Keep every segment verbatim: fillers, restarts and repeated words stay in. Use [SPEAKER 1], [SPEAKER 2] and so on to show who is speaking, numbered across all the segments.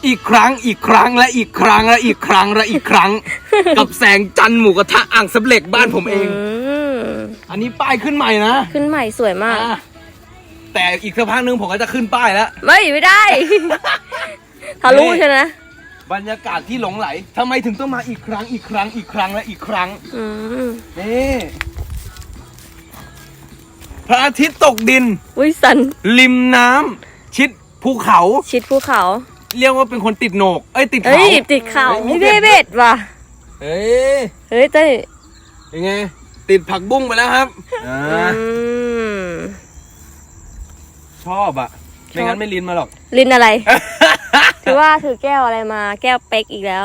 [SPEAKER 1] อีกครั้งอีกครั้งและอีกครั้งและอีกครั้งและอีกครั้ง กับแสงจันทร์หมูกระทะอ่างสำเร็จบ้านผมเองอันนี้ป้ายขึ้นใหม่นะ
[SPEAKER 2] ขึ้นใหม่สวยมาก
[SPEAKER 1] แต่อีกสักพักนึงผมก็จะขึ้นป้ายแล้ว
[SPEAKER 2] ไม่ไม่ได้ทะลุใช่ไหม
[SPEAKER 1] บรรยากาศที่หลงไหลทำไมถึงต้องมาอีกครั้งอีกครั้งอีกครั้งและอีกครั้งนี่พระอาทิตย์ตกดิน
[SPEAKER 2] วิสัน
[SPEAKER 1] ริมน้ำชิดภูเขา
[SPEAKER 2] ชิดภูเขา
[SPEAKER 1] เรียกว่าเป็นคนติดโหนกเอ้ยติดเขา
[SPEAKER 2] ติดเขาไม่เบ็ดเบ็ดว่ะ
[SPEAKER 1] เฮ้ย
[SPEAKER 2] เฮ้ยเต้
[SPEAKER 1] ยังไงติดผักบุ้งไปแล้วครับชอบอ่ะไม่งั้นไม่ลินมาหรอก
[SPEAKER 2] ลินอะไรถือว่าถือแก้วอะไรมาแก้วเป๊กอีกแล้ว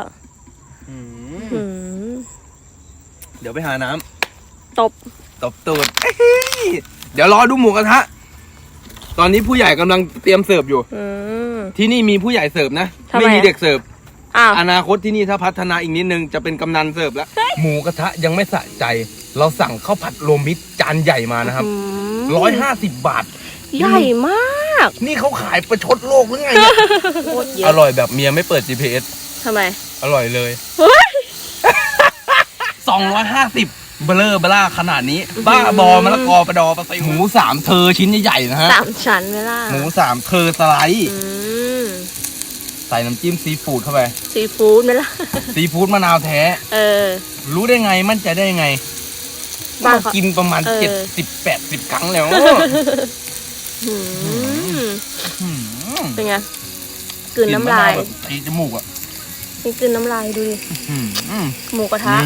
[SPEAKER 1] เดี๋ยวไปหาน้
[SPEAKER 2] ำตบ
[SPEAKER 1] ตบตูดเดี๋ยวรอดูหมูกระทะตอนนี้ผู้ใหญ่กำลังเตรียมเสิร์ฟอยู่ที่นี่มีผู้ใหญ่เสิร์ฟนะไม่มีเด็กเสิร์ฟอนาคตที่นี่ถ้าพัฒนาอีกนิดนึงจะเป็นกำนันเสิร์ฟแล้วหมูกระทะยังไม่สะใจเราสั่งข้าวผัดรวมมิตรจานใหญ่มานะครับร้อยห้าสิบบาท
[SPEAKER 2] ใหญ่มาก
[SPEAKER 1] นี่เขาขายประชดโลกหรือไงอร่อยแบบเมียไม่เปิด จี พี เอส
[SPEAKER 2] ทำไม
[SPEAKER 1] อร่อยเลยสองร้อยห้าสิบเบลอเบล่าขนาดนี้บ้าบอมะละกอประดอประไซหมูสามเธอชิ้นใหญ่ๆนะฮะ
[SPEAKER 2] สามชั้นเวลา
[SPEAKER 1] หมูสามเธอสไลด์ใส่น้ำจิ้มซีฟู้ดเข้าไป
[SPEAKER 2] ซีฟู้ดไหมล่ะ
[SPEAKER 1] ซีฟู้ดมะนาวแท้เออรู้ได้ไงมั่นใจได้ไงบ้ากินประมาณเจ็ดสิบแปดสิบครั้งแล้ว
[SPEAKER 2] เป็นไงกลืนน้ำลาย
[SPEAKER 1] ตีจมูกอ่ะ
[SPEAKER 2] นี่กลืนน้ำลายดูดิหมูกระทะ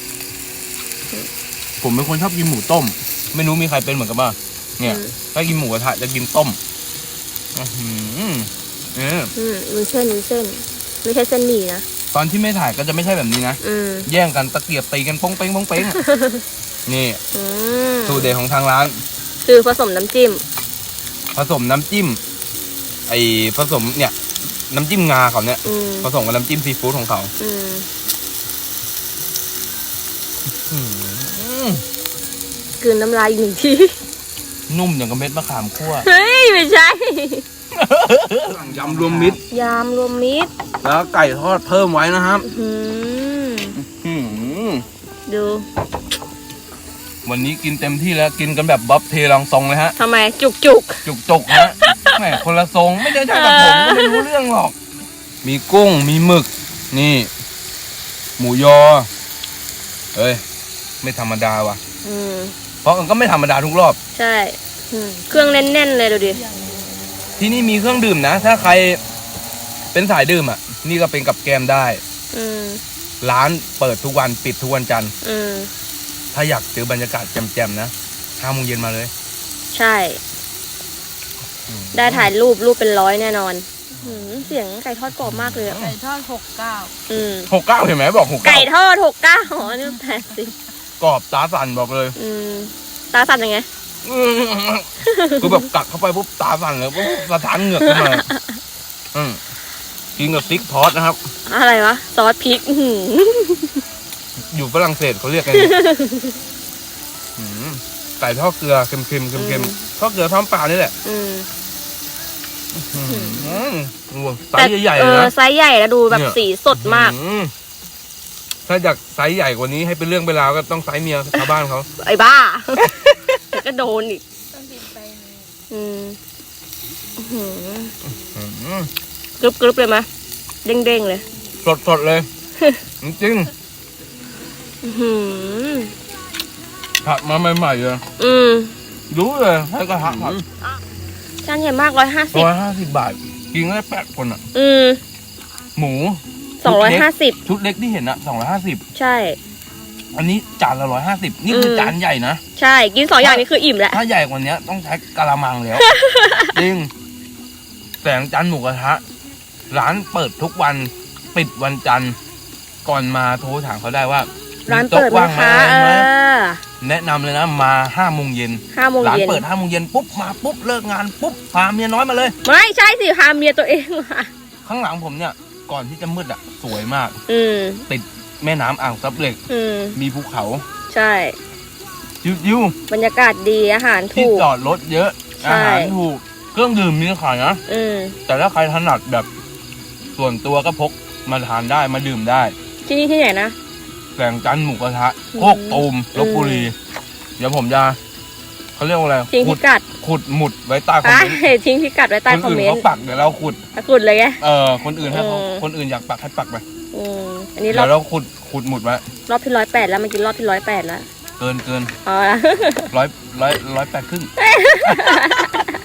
[SPEAKER 1] ผมเป็นคนชอบกินหมูต้มไม่รู้มีใครเป็นเหมือนกันบ้างเนี่ยถ้ากินหมูกระทะจะกินต้มอืมเออ
[SPEAKER 2] มีเส้นมีเส้นไม่ใช่เส้นหมี่นะ
[SPEAKER 1] ตอนที่ไม่ถ่ายก็จะไม่ใช่แบบนี้นะแย่งกันตะเกียบตีกันป้องเป้งป้องเป้งนี่สูตรเด็ดของทางร้าน
[SPEAKER 2] คือผสมน้ำจิ้ม
[SPEAKER 1] ผสมน้ำจิ้มไอผสมเนี่ยน้ำจิ้มงาเขาเนี่ยผสมกับน้ำจิ้มซีฟู้ดของเขา
[SPEAKER 2] กลืนน้ำลายอีกหนึ่งที
[SPEAKER 1] นุ่มอย่างกับเม็ดมะขามคั่ว
[SPEAKER 2] เฮ้ยไม่ใช่
[SPEAKER 1] ยำรวมมิตร
[SPEAKER 2] ยำรวมมิตร
[SPEAKER 1] แล้วไก่ทอดเพิ่มไว้นะครับ
[SPEAKER 2] ดู
[SPEAKER 1] วันนี้กินเต็มที่แล้วกินกันแบบบ๊อบเทลองทรงเลยฮะ
[SPEAKER 2] ทำไมจุกจุก
[SPEAKER 1] จุกจุกฮะแหมคนละทรงไม่ได้ใช่กับผมก็ไม่รู้เรื่องหรอกมีกุ้งมีหมึกนี่หมูยอเอ้ยไม่ธรรมดาว่ะเพราะมันก็ไม่ธรรมดาทุกรอบ
[SPEAKER 2] ใช่เครื่องแน่นๆเลยดูดิ
[SPEAKER 1] ที่นี่มีเครื่องดื่มนะถ้าใครเป็นสายดื่มอ่ะนี่ก็เป็นกับแกมได้ร้านเปิดทุกวันปิดทุกวันจันทร์ถ้าอยากเจอบรรยากาศแจ่มๆนะห้าโมงเย็นมาเลย
[SPEAKER 2] ใช่ได้ถ่ายรูปรูปเป็นร้อยแน่นอนเสียงไก่ทอดกรอบมากเลย
[SPEAKER 3] ไก่ทอดหกเก้า
[SPEAKER 1] หกเก้าเห็นไหมบอกหกเก้า
[SPEAKER 2] ไก่ทอดหกเก้าอ๋อนี่แปดสิบ
[SPEAKER 1] กรอบตาสั่นบอกเลย
[SPEAKER 2] ตาสั่นยังไง
[SPEAKER 1] คือแบบกัดเข้าไปปุ๊บตาสั่นเลยปุ๊บสะท้านเหงือกขึ้นมากินกับซิกทอสนะครับ
[SPEAKER 2] อะไรวะซอสพริก
[SPEAKER 1] อยู่ฝรั่งเศสเขาเรียกกันไก่ทอดเกลือเค็มๆเค็มๆทอดเกลือท้องเปล่านี่แหละไซส์ใหญ่ๆนะ
[SPEAKER 2] ไซส์ใหญ่แล้วดูแบบสีสดมาก
[SPEAKER 1] ถ้าอยากไซส์ใหญ่กว่านี้ให้เป็นเรื่องเวลาก็ต้องไซส์เมียชาวบ้านเขา
[SPEAKER 2] ไอ้บ้าก็โดนอีกกรึบกรึบเลยไหมเด้งเด้งเลย
[SPEAKER 1] สดสดเลยจริงผัดมาใหม่ๆเลยรู้เลยให้กระทะผัด
[SPEAKER 2] จานใหญ่มากร้อยห้าสิบ
[SPEAKER 1] ร้อยห้าสิบบาทกินได้แปดคนอ่ะหมู
[SPEAKER 2] สองร้อยห้าสิบ
[SPEAKER 1] ชุดเล็กที่เห็นอะสองร้อยห้าสิบ
[SPEAKER 2] ใช่
[SPEAKER 1] อันนี้จานละร้อยห้าสิบนี่คือจานใหญ่นะ
[SPEAKER 2] ใช่กินสองอย่างนี้คืออิ่มแล้ว
[SPEAKER 1] ถ้าใหญ่กว่านี้ต้องใช้กะละมังแล้วจริงแสงจันทร์หมูกระทะร้านเปิดทุกวันปิดวันจันทร์ก่อนมาโทรถามเขาได้ว่า
[SPEAKER 2] ร้านเปิดว่างไหม
[SPEAKER 1] แนะนำเลยนะมาห้าโมงเย็น
[SPEAKER 2] ห้าโมงเย็นร้าน
[SPEAKER 1] เปิดห้าโมงเย็นปุ๊บมาปุ๊บเลิกงานปุ๊บพาเมียน้อยมาเลย
[SPEAKER 2] ไม่ใช่สิพาเมียตัวเองมา
[SPEAKER 1] ข้างหลังผมเนี่ยก่อนที่จะมืดอ่ะสวยมากติดแม่น้ำอ่างซับเหล็กมีภูเขา
[SPEAKER 2] ใช่
[SPEAKER 1] ยิว
[SPEAKER 2] บรรยากาศดีอาหารถูกที่
[SPEAKER 1] จอดรถเยอะอาหารถูกเครื่องดื่มมีขายนะแต่ถ้าใครถนัดแบบส่วนตัวก็พกมาทานได้มาดื่มได้
[SPEAKER 2] ที่นี่ที่ไหนนะ
[SPEAKER 1] แสงจันทร์หมูกระทะโคกตูมลพบุรีเดี๋ยวผมจะเขาเรียกว่าอะไร
[SPEAKER 2] ทิ้งพิกัด
[SPEAKER 1] ขุดหมุดไว้ใต้คอมเมนต์
[SPEAKER 2] ทิ้งพิกัดไว้ใต้คอมเมนต์
[SPEAKER 1] คนอื่นเขาปักเดี๋ยวเราขุด
[SPEAKER 2] ขุดเลยไง
[SPEAKER 1] เออคนอื่นให้เขาคนอื่นอยากปักให้ปักไป
[SPEAKER 2] อันนี้
[SPEAKER 1] เดี๋ยวเราขุดขุดหมุดไว้
[SPEAKER 2] รอบที่ร้อยแปดแล้วเมื่อกี้รอบที่ร้อยแปดแล้ว
[SPEAKER 1] เกินเกิน
[SPEAKER 2] อ๋อ
[SPEAKER 1] ร้อยร้อยร้อยแปดครึ่ง